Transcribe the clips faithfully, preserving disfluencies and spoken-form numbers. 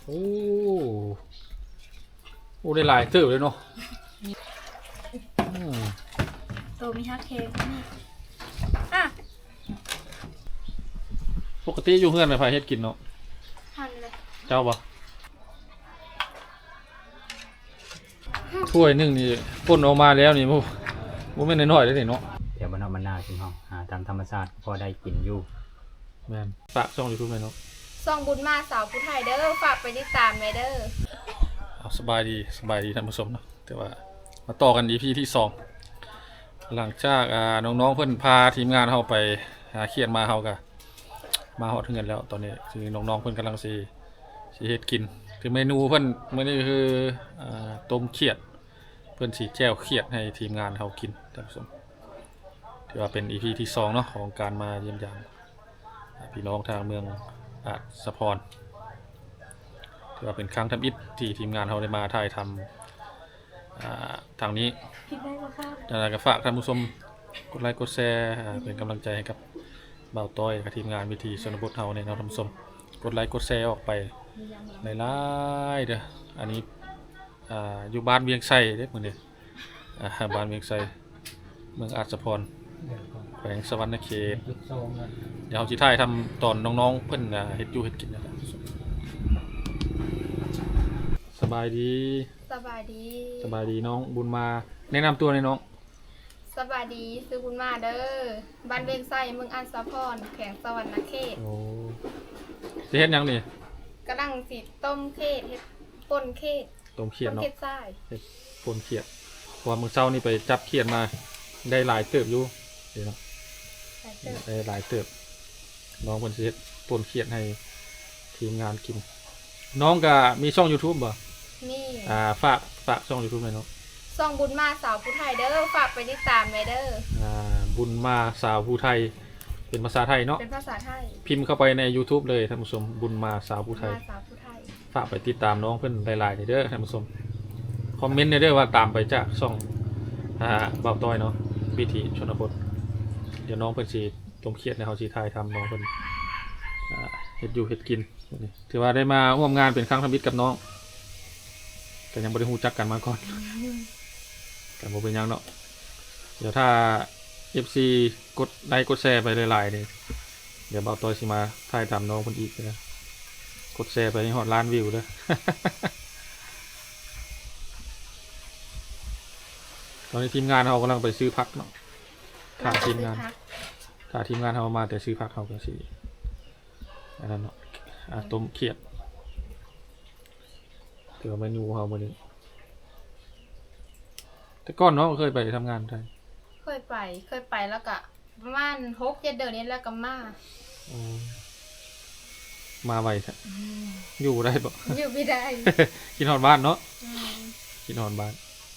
โอ้โอ้ได้หลายเติบเลยเนาะโตมีฮักเค้กนี่อ่ะปกติอยู่เฮือนไม่พาเฮ็ดกินเนาะหั่นเลยเจ้าบ่ถ้วยหนึ่งนี่ป่นออกมาแล้วนี่โมโมไม่นน้อยๆเลยนี่เนาะเดี๋ยวมันเอามันนาชิมห้องหาตามธรรมชาติพอได้กินอยู่แม่นฝากช่องยูทูบเลยเนาะซองบุญมาสาวผู้ไทยเด้อฝากไปติดตามแม่เด้อเอาสบายดีสบายดีท่านผู้ชมเนาะแต่ว่ามาต่อกัน อี พี ที่สองหลังจากอ่าน้องๆเพิ่นพาทีมงานเฮาไปหาเขียดมาเฮาก็มาฮอดเงินแล้วตอนนี้คือน้องๆเพิ่นกำลังสิสิเฮ็ดกินคือเมนูเพิ่นมื้อนี้คืออ่าต้มเขียดเพิ่นสิแจ่วเขียดให้ทีมงานเฮากินท่านผู้ชมถือว่าเป็น อี พี ที่สองเนาะของการมาเยี่ยมยามพี่น้องทางเมืองอาจสะพรถือว่าเป็นครั้งทำอิฐที่ทีมงานเราได้มาถ่ายทำทางนี้คิดได้ก็ค่ะอยากจะฝากท่านผู้ชมกดไลค์กดแชร์เป็นกำลังใจให้กับบ่าวต้อยกับทีมงานวิธีชนบทเฮาในเราท่านผู้ชมกดไลค์กดแชร์ออกไปในไลน์เด้ออันนี้อยู่บ้านเวียงไซเด้อมื้อนี้บ้านเวียงไซเมืองอาจสะพรแขวงสวรรณเขตเดี๋ยวเราสิถ่ายทำตอนน้องๆเพิ่นเฮ็ดอยู่เฮ็ดกินนะครับสบายดีสบายดีสบายดีน้องบุญมาแนะนำตัวหน่อยน้องสบายดีซื้อบุญมาเด้อบ้านเวียงไซเมืองอันสะพรแขวงสวรรณเขตโอ้สิเฮ็ดหยังนี่กำลังสิต้มเขตเฮ็ดป่นเขตต้มเขียดเนาะเขตทรายเฮ็ดป่นเขียดเพราะว่ามื้อเช้านี่ไปจับเขียดมาได้หลายเติบอยู่เดี๋ยวเนาะได้หลายเติบน้องเพิ่นสิเฮ็ดป่นเขียดให้ทีมงานกินน้องก็มีช่อง YouTube บ่นี่อ่าฝากฝากช่อง YouTube หน่อยเนาะซองบุญมาสาวผู้ไทยเด้อฝากไปติดตามแม่เด้ออ่าบุญมาสาวผู้ไทยเป็นภาษาไทยเนาะเป็นภาษาไทยพิมพ์เข้าไปใน YouTube เลยท่านผู้ชมบุญมาสาวผู้ไทยสาวผู้ไทยฝากไปติดตามน้องเพิ่นหลายๆเด้อท่านผู้ชมคอมเมนต์เด้อว่าตามไปจากช่องอ่าบ่าวต้อยเนาะวิถีชนบทเดี๋ยวน้องเพิ่นสิต้มเขียดในเฮาสิถ่ายทำน้องเพิ่นอ่าเฮ็ดอยู่เฮ็ดกินถือว่าได้มาร่วมงานเป็นครั้งทำอิฐกับน้องแต่ยังบ่ได้ฮู้จักกันมาก่อนแต่บ่เป็นหยังเนาะเดี๋ยวถ้า เอฟ ซี กดไลค์กดแชร์ไปหลายๆนี่เดี๋ยวบ่าวต้อยสิมาถ่ายตามน้องเพิ่นอีกนะกดแชร์ไปให้ฮอดล้านวิวเด้อ ตอนนี้ทีมงานเรากำลังไปซื้อผักเนาะถ้าทีมงานถ้าทีมงานเรามาแต่ซื้อผักเราก็สิอันนั้นเนาะอ่ะต้มเขียดถือว่าเมนูเรามื้อนี้แต่ก่อนเนาะเคยไปทำงานไทยเคยไปเคยไปแล้วก็ประมาณหกเจ็ดเดือนนี้แล้วก็มาอ๋อมาไวแท้อยู่ได้บ่อยู่ไม่ได้กินฮอดบ้านเนาะกินฮอดบ้าน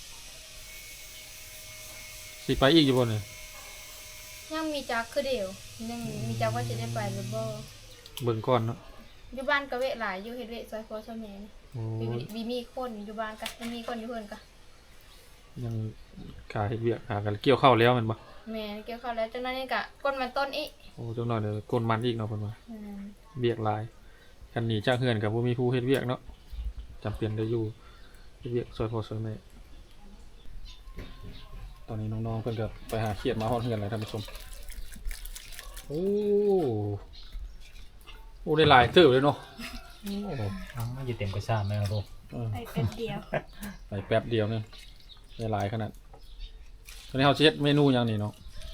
สิไปอีกอยู่บ่เนี่ยยังมีจักคือเดียวยังมีจักว่าจะได้ไปหรือบ่เบิ่งก่อนเนาะอยู่บ้านก็เวะหลายอยู่เฮ็ดเวะซอยพ่อซอยแม่มีมีคนอยู่บ้านก็ยังมีคนอยู่เพิ่นก็ยังขาเฮ็ดเวียกหากันเกี่ยวข้าวแล้วแม่นบ่แม่เกี่ยวข้าวแล้วจังนั้นนี่ก็ก้นมันต้นอีกโอ้จังหน่อยเด้อก้นมันอีกเนาะเพิ่นว่าเวียกหลายคันหนีจากเฮือนก็บ่มีผู้เฮ็ดเวียกเนาะจำเป็นได้อยู่เฮ็ดเวียกซอยพ่อซอยแม่ตอนนี้น้องๆเพิ่นก็ไปหาเขียดมาฮอดเฮือนแล้วท่านผู้ชมโอ้โอ้ได้หลายเติบเลยเนาะโอ้อ้าวอยู่เต็มกระซ่าแม่ลูกไปแป๊บเดียวไปแป๊บเดียวนึงได้หลายขนาดตอนนี้เฮาสิเฮ็ดเมนูหยังนี่เนาะ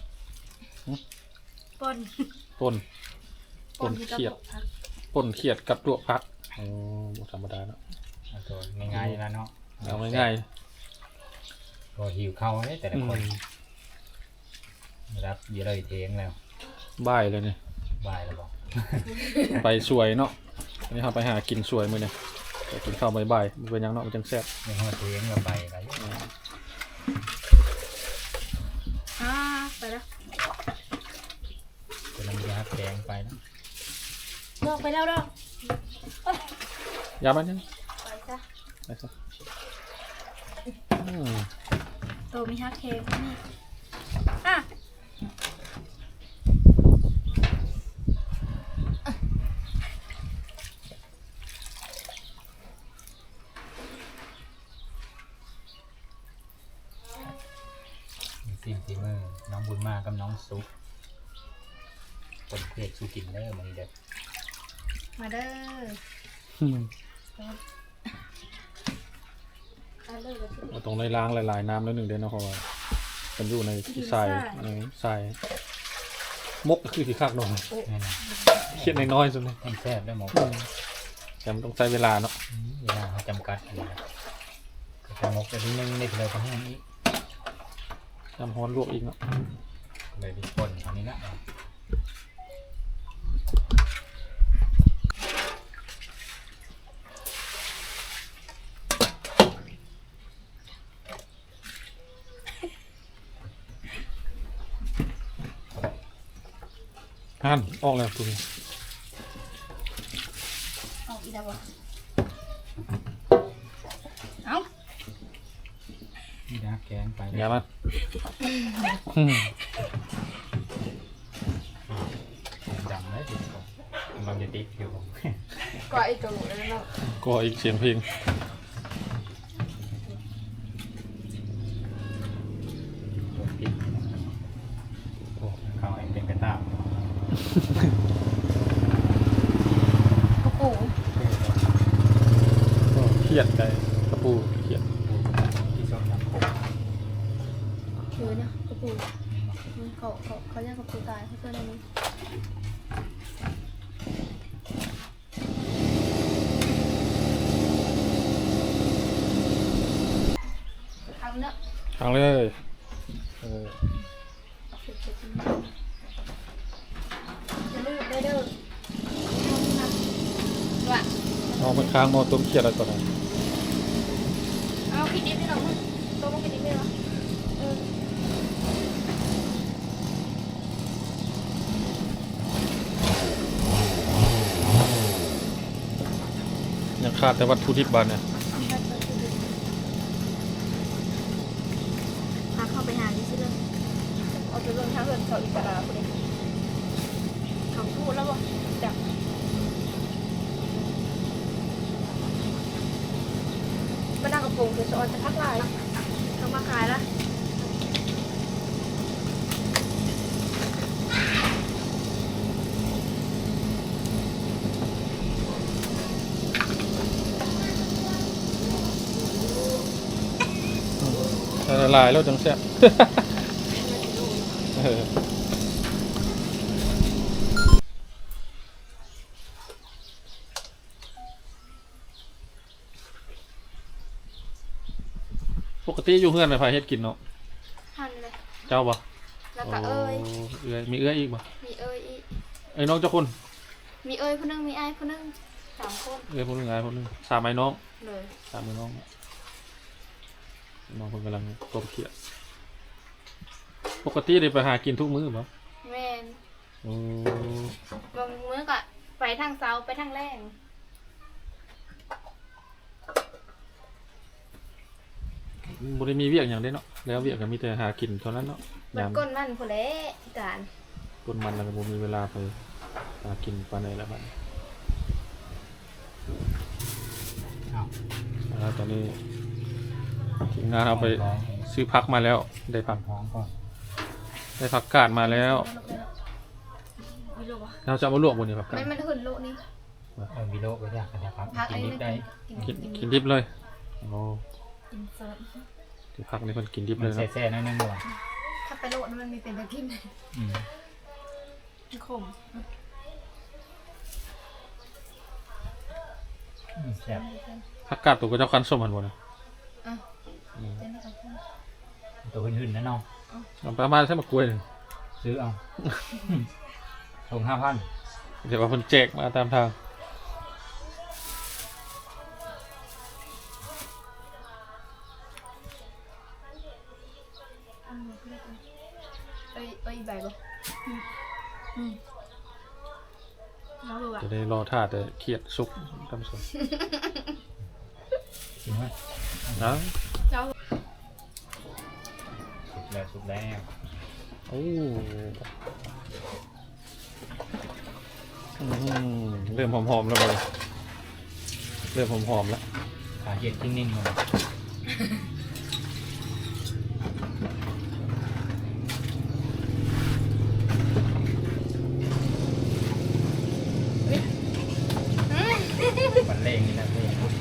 ป่นป่นป่นเขียดป่นเขียดกับลวกผักอ๋อบ่ธรรมดาเนาะตัวง่ายๆแล้วเนาะเอาง่ายๆก็หิวข้าวเด้แต่ละคนรับอยู่เลยเทงแล้วบ่ายเลยนี่บ่ายแล้วบ่ไปสวยเนาะอันนี้เฮาไปหากินสวยมื้อนี้ไปกินข้าวบ่ายๆมันเป็นหยังเนาะมันจังแซ่บในห้องเทงก็ไปไปอ่าไปแล้วกำลังยัดแกงไปแล้วบอกไปแล้วเด้อยามันยังไปจ้ะไปซะโตมีฮักเค้กนี่อ่ะบุญมากับน้องซุปคนเผ็ดสู้กินเด้อมันนี้เด้อมาเด้ออืมเอาเลยก็สิเราต้องได้ล้างหลายๆน้ำแล้วหนึ่งเดือนเนาะเพราะว่ามันอยู่ในที่ทรายในทรายมกก็คือที่คักหน่อยแม่นเครียดน้อยๆสุดเลยมันแซ่บได้หมดแต่มันต้องใช้เวลาเนาะเวลาเขาจำกัดอยู่นะก็จะมกไปนิดนึงนี่เลยก็แห้งอีกน้ำฮ้อนลวกอีกเนาะเลยมีคนอันนี้นะหั่นออกแล้วตัวนี้เอาอีกแล้วบ่เอานี่นะแกงไปอย่ามาอืมดำเลยติดก่อนกำลังจะติดอยู่ก็ไอ้ตัวแล้วเนาะก็อีกเสียงเพลงติดโอ้เขาไอ้เป็นกระตาบกระปูก็เครียดใจกระปูเครียดที่ส้มน้ำโขงคือเนี่ยกระปูเขาเขาเขาเรียกกระปูตายเขาเจอในนี้ทำเนาะทางเลยเออจะลูกได้เด้อว่ะเอามันค้างมอต้มเครียดอะไรก่อนนะเอาคิดดิบได้หรอมึงตัวมึงคิดดิบได้หรอเออยังขาดแต่วัตถุดิบบานเนี่ยพาเข้าไปหาดิซิเลยเอาไปลงทางเหินเขาอิสระคนนี้เขาพูดแล้วบ่จับมานั่งกระโปรงคือสอนจะพักลายเขามาขายละละลายแล้วจังแซ่บ เออปกติอยู่เพื่อนไปพาเฮ็ดกินเนาะหั่นเลยเจ้าบ่แล้วก็เอ้ยโเอ้ยมีเอ้ยอีกบ่มีเอ้ยอีกเอ้ยน้องเจ้าคนมีเอ้ยคนนึงมีไอ้คนนึงสามคนเอ้ยคนหนึงไอ้คนหนึงสามไอ้น้องเลยสามมือน้องน้องคนกำลังต้มเขียดปกติได้ไปหากินทุกมื้อบ่แม่นโอ้บางมื้อก็ไปทางเช้าไปทางแรงบ่ได้มีเวียกอย่างเด้เนาะแล้วเวียกก็มีแต่หากินเท่านั้นเนาะมันยามก้นมันผู้เละการต้นมันแล้วก็บ่มีเวลาไปหากินปานใดแล้วบัดนี้อ้าวแล้วตอนนี้ทีมงานเอาไปซื้อพักมาแล้วได้ผักหอมก่อนได้ผักกาดมาแล้วไม่รู้ว่าเราจะเอามาลวกบนนี้ผักกาไม่ดมันหุ่นโลนี่เออวิโลก็ยากนะครับพักกิอันนนินี้ดได้กินกินดิบเลยโอ้กินสดที่พักนี่เพิ่นกินดิบมัเลนยเนาะแซ่ๆหนิดนึงด้วยถ้าไปโลนี่มันมีเป็นแบบพิมพ์อืมขมอืมแซ่บผักกาดตัวก็เจ้าคันส้มหันบ่นะอ่ะอืมเจนนี่ค่ะตัวหื่นๆนะน้องเอาประมาณใช่มากล้วยหนึงซื้อเอาส่งห้าพันเดี๋ยวว่าเพิ่นแจกมาตามทางเอ้ยเอ้ยใบบ่อืมน้องดูอ่ะจะได้รอท่าแต่เครียดสุกท่านผู้ชมกินไหมนะน้องสุกแล้วสุกแล้วโอ้อืมเริ่มหอมๆแล้วบ่เริ่มหอมๆแล้วขาเห็ดนิ่งๆเลยตเองนี่นะเองพูด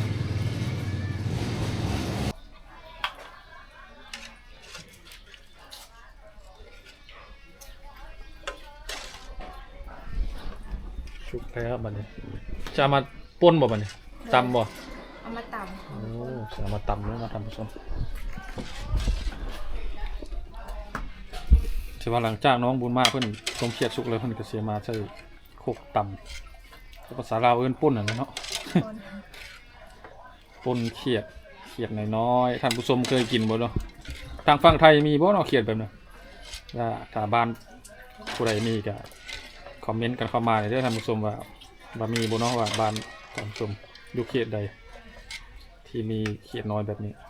ชุบแล้วบัดนี้จะเอามาป่นบ่บัดนี้ตำบ่เอามาตโอ้จะเอามาตำแล้วมาทำผสมถือว่าหลังจากน้องบุญมาเพิ่นทรงเขียดสุกเลยเพิ่นก็เสียมาใส่โคกตำภาษาลาวเอิ้นป่นน่ะเนาะำคนป่นเขียดเขียดน้อยๆท่านผู้ชมเคยกินบ่เนาะทางฝั่งไทยมีบ่เนาะเขียดแบบนั้นถ้าถ้าบ้านผู้ใดมีก็คอมเมนต์กันเข้ามาเด้อท่านผู้ชมว่าว่ามีบ่เนาะว่าบ้านท่านผู้ชมอยู่เขตใดที่มีเขียดน้อยแบบนี้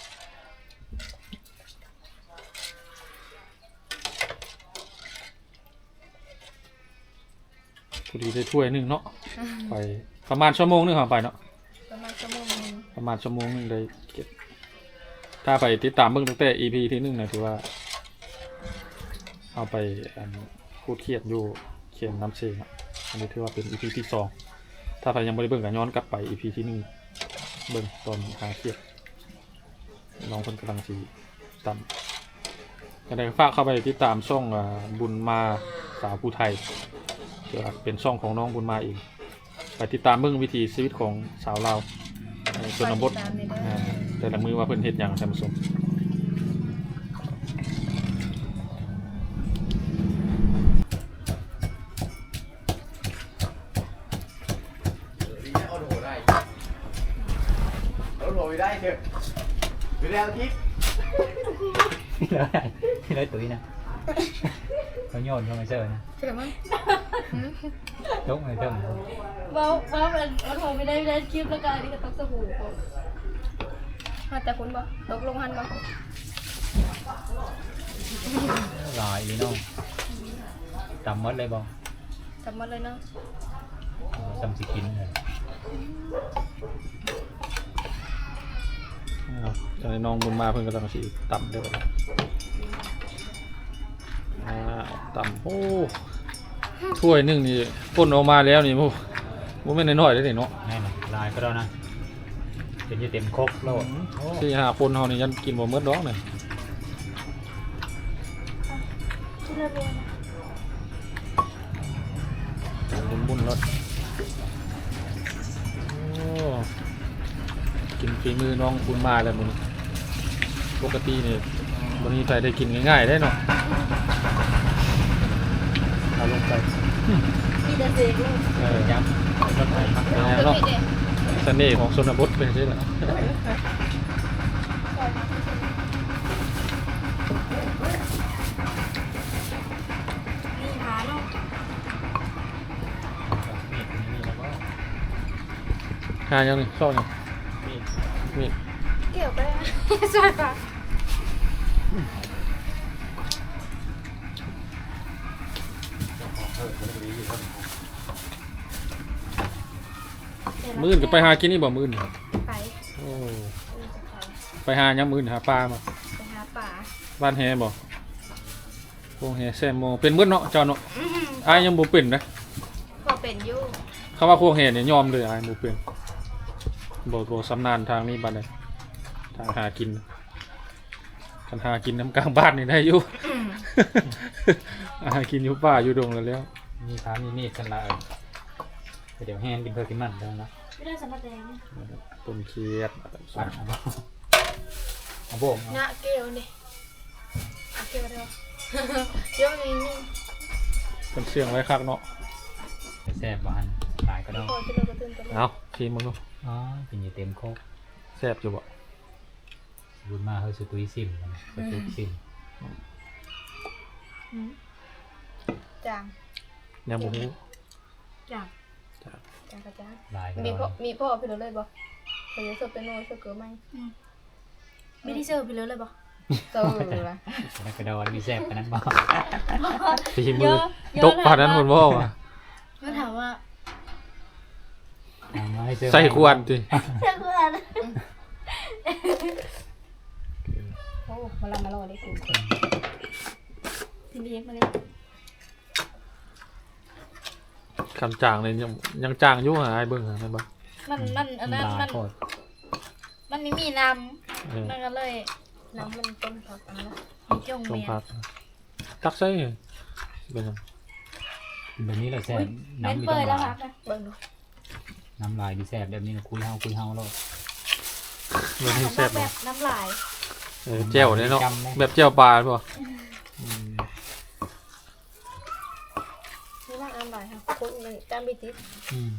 พอดีได้ถ้วยหนึงเนาะไปประมาณชั่วโมงหนึงครับไปเนาะประมาณชั่วโมงนึงประมาณชั่วโมงหนึงได้เก็บถ้าไปติดตามเบิ่งตั้งแต่ อี พี ที่หนึ่งนะถือว่าเอาไปอันพูดเครียดอยู่เขียนน้ำเชงอ่ะอันนี้ถือว่าเป็น อี พี ที่สองถ้าใครยังไม่ได้เบิ่งก็ย้อนกลับไป อี พี ที่หนึ่งเบิ่งตอนหาเครียดน้องคนกำลังสีต่ำก็ได้ฝากเข้าไปติดตามช่องอ่าบุญมาสาวผู้ไทยถือว่าเป็นช่องของน้องบุญมาเองไปติดตามเบิ่งวิถีชีวิตของสาวลาวในชนบทตามในเด้ออ่าแต่ละมือว่าเพิ่นเฮ็ดหยังท่านผู้ชมเอาโหได้เอาโหได้เถอะดูแลทิพย์ที่ไรตุ๋ยนะเขาโยนเข้ามาเจอนะใช่ไหมยกมาเติมว่าว่ามันมันคงไม่ได้ไม่ได้คลิปแล้วก็อันนี้ก็ต้องสบู่มาแต่คุณบ่ตกลงหันบ่ลอยอีน้องจำมัดเลยบ่จำหมดเลยเนาะจำสิกินเลยครับตอนนี้น้องบุญมาเพิ่นกำลังสิต่ำเด้ออ่าต่ำโอ้ถ้วยหนึงนี่ป่นออกมาแล้วนี่โอ้บ่แม่นน้อยๆเด้อนี่เนาะแน่นอนลายก็ได้นะเป็นยี่เต็มครกแล้วโอ้สี่ห้าคนเฮานี่ยันกินบ่หมดดอกนี่ที่เราเรียนบุญๆรสโอ้กินฝีมือน้องบุญมาแล้วมื้อนี้ปกตินี่บ่มีใครได้กินง่ายๆได้เนาะเอาลงไปมีแต่เสกลูกเออย้ำรถไฟพักเป็นเราไงเนาะเสน่ห์ของชนบทเป็นจังซี่แหละมีหาเนาะมีดนี่แล้วก็หายังนี่ซ่อนยังมีดมีดเกี่ยวไปนะใช่ปะมื้ออื่นก็ไปหากินนี่บ่มื้อนี่ไปโอ้เออจะไปไปหายังมื้อนี่หาปลาบ่ไปหาป่าบ้านแฮบ่โรงแฮแซมโมเป็นมื้อเนาะเจ้าเนาะอ้ายยังบ่เป็นนะพอเป็นอยู่คำว่าโครงแฮเนี่ยยอมเลยอ้ายบ่เป็นบ่บ่สำนาญทางนี้บัดนี้ทางหากินคันหากินน้ำกลางบ้านนี่ได้อยู่ หากินอยู่ป่าอยู่ดงแล้วแล้วมีพามีมีดกันละเออเดี๋ยวแห้งกินเพื่อกินมันได้นะไม่ได้สำนักแดงต้นเคียดปัดเอาบ่เอาโบกเอาหน้าเกี่ยวนี่เกี่ยวเดียวเดี๋ยวนี้นี่เป็นเสียงไว้คักเนาะแซ่บบ้านตายก็ได้พอจะเราก็ตื่นตลอดเอาทีมึงเนาะอ๋อเป็นยี่เต็มครกแซ่บอยู่บ่บุญมาเฮ้ยสุตุยซิมกันสุตุยซิมจางยังบ่ฮู้จางจางกระจางลายก็มีได้พ่อมีพ่อพี่เราเลยบ่ไปเยอะสุดเป็นโน้ตสุดเกินไหมไม่ได้เสิร์ฟไปเลยเลยปะเจอละแล้วก็โดนมีแซ่บกันนั้นบ่ทีมือตกปานนั้นเพิ่นบ่ว่าก็ถามว่าเอามาให้เสื้อใส่ควรติเชื่อเพื่อนโอ้มาลามาลอได้คุณทีนี้มาเลยคำจางเลยยังยังจางอยู่หาอ้ายเบิ่งหาแม่นบ่มันมันอันนั้นลามันโคตรมันไม่มีน้เออำมันก็เลยน้ำมันต้นผักนะมีจงต้มเมียผักตักใส่เป็นยังแบบนี้แหละแซ่บเป็นน้ำมีเปื่อยน้ำแล้วลาค่ะยเบิ่งดูน้ำลายดีแซ่บแบบนี้นะคุยเฮาคุยเฮาแล้วไม่ให้แซ่บแบเนาะบน้ำลายเออแจ่วเนี่ยเนาะจำไหมแบบแจ่วปลาหรือเปล่านี่ว่าอันไหนค่ะคนหนึ่งจานบิติสอืม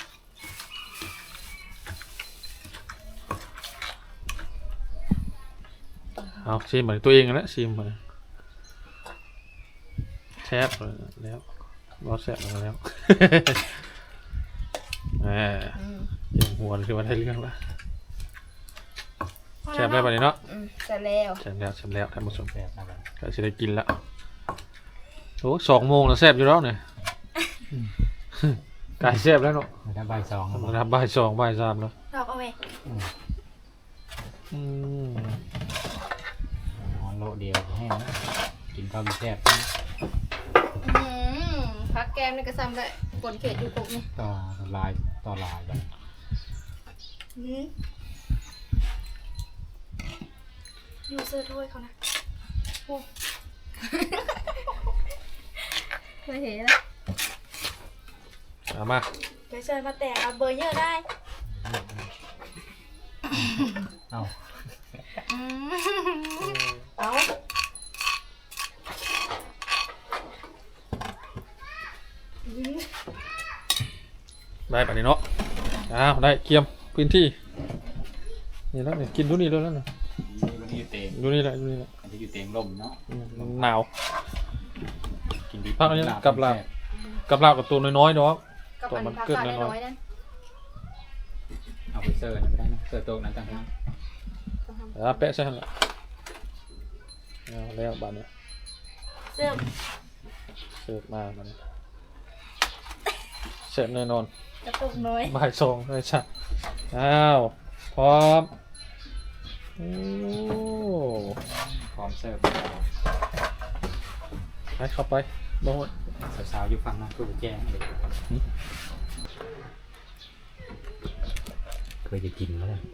เอาชิมเหมือนตัวเองแล้วชิมเหมือนแซ่บแล้วรสแซ่บแล้วแหมเจียงหัวคือว่าได้เรื่องละแซ่บได้ปะเนี่ยเนาะอืมเสร็จแล้วแซ่บแล้วแซ่บแล้วท่านผู้ชมแซ่บอะไรก็จะได้กินละโอ้สองโมงแล้วแซ่บอยู่แล้วเนี่ยไก่แซ่บแล้วเนาะมาทำใบายสองแล้วบอกนะครับบ่ายสองบ่ายสามแล้วดอกเอาไว้อืมอ๋อโลเดียวแห้งนะกินข้าวดีแซ่บอืมพักแก้มนี่ก็ซ้ำได้ปนเขตอยู่กบนี่ต่อลายต่อลายแบบอืมอยู่เสื้อถ้วยเขานะเคยเห็นแล้วเอามาเดี๋ยวเชิญมาแต่งเอาเบอร์เยอะได้เอ้าเอาได้ปะเนี่ยเนาะอ้าวได้เกียมพื้นที่นี่แล้วเนี่ยกินดูนี่เลยแล้วเนี่ยวันนี้อยู่เต็มดูนี่แหละดูนี่แหละอันนี้อยู่เต็มลมเนาะอืมหนาวกินดีพักอันนี้กับลาบ กับลาบกับตัวน้อยๆเนาะกับอันพักกาดน้อยๆนั่นเอาไปเสิร์ฟนั่นก็ได้นะเสิร์ฟโต๊ะนั้นต่างหากอ่าแปะใช่ไหมล่ะเอาแล้วบานเนี่ยเสื้อเสิร์ฟมาบานเนี่ยเสร็จแน่นอนกระตุกน้อยบ่ายสองเลยจ้ะอ้าวพร้อมโอ้พร้อมเสิร์ฟไปเข้าไปบ้งสาวๆอยู่ฝั่งนั้นคือแจ้งเลยเคยจะกินแล้วเลย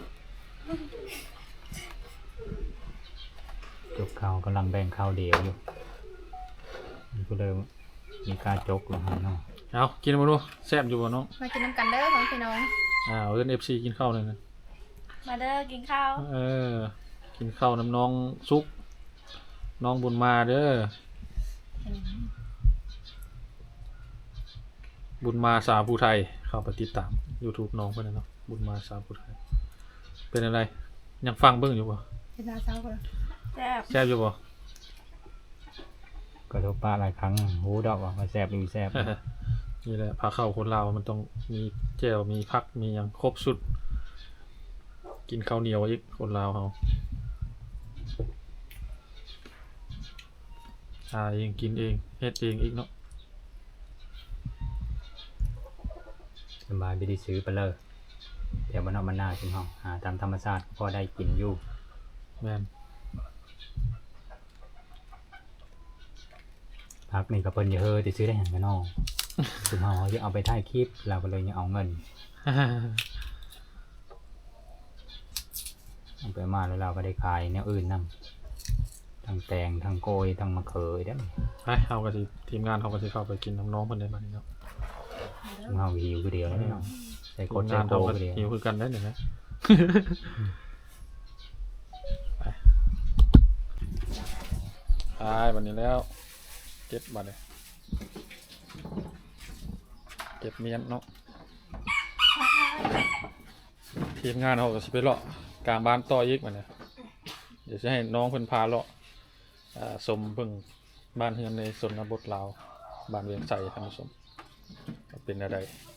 จกข้าวกำลังแบ่งข้าวเดียวอยู่นี่ก็เลยมีการจกลงมาเนาะเอากินมาดูแซ่บอยู่บ่น้องมากินน้ำกันเด้อของพี่น้องอ้าวเล่นเอฟซีกินข้าวเลยนะมาเด้อกินข้าวเออกินข้าวน้ำน้องซุกน้องบุญมาเด้อบุญมาสาวผู้ไทยเข้าไปติดตาม YouTube น้องเพื่อนนะเนาะบุญมาสาวผู้ไทยเป็นอะไรยังฟังเบิ่งอยู่บ่เป็นนาเช้าคนแซ่บแซ่บอยู่บ่ก็โทรป้าหลายครั้งหูดอกว่ามาแซ่บดูแซ่บนี่แหละพาเข้าคนลาวมันต้องมีแจ่วมีผักมีอย่างครบสุด กินข้าวเหนียวอีกคนลาวเขาหาเองกินเองเฮ็ดเองอีกเนาะสบายไปได้ซื้อไปเลยเดี๋ยวมันเอามันหน้าชิมห้องหาตามธรรมชาติพอได้กินอยู่แม่นพักนี่ก็เพิ่นอย่าเฮ้อจะซื้อได้หันกันนอกชิมห้องเขาจะเอาไปถ่ายคลิปเราก็เลยยังเอาเงินเอาไปมาแล้วเราก็ได้ขายแนวอื่นนั่งทั้งแตงทั้งโกยทั้งมะเขือได้ไปเอากระสิทีมงานเขาก็สิเข้าไปกินน้ำน้องเพิ่นได้บัดนี้เนาะชิมห้องหิวคือเดียวแล้วเนาะใส่โคทีตมรใส่งานโกเขาก็คือเดียวหิวคือกันได้เนี่ยนะ ไปไปบัดนี้แล้วเก็บบัดเลยเก็บเมียนเนาะทีมงานเขาก็สิไปเลาะกลางบ้านต่ออีกบัดเนี่ยเดี๋ยวจะให้น้องเพิ่นพาเลาะอ่าชมเบิ่งบ้านเฮือนในชนบทลาวบ้านเวียงไสท่านผู้ชมว่าเป็นอะไร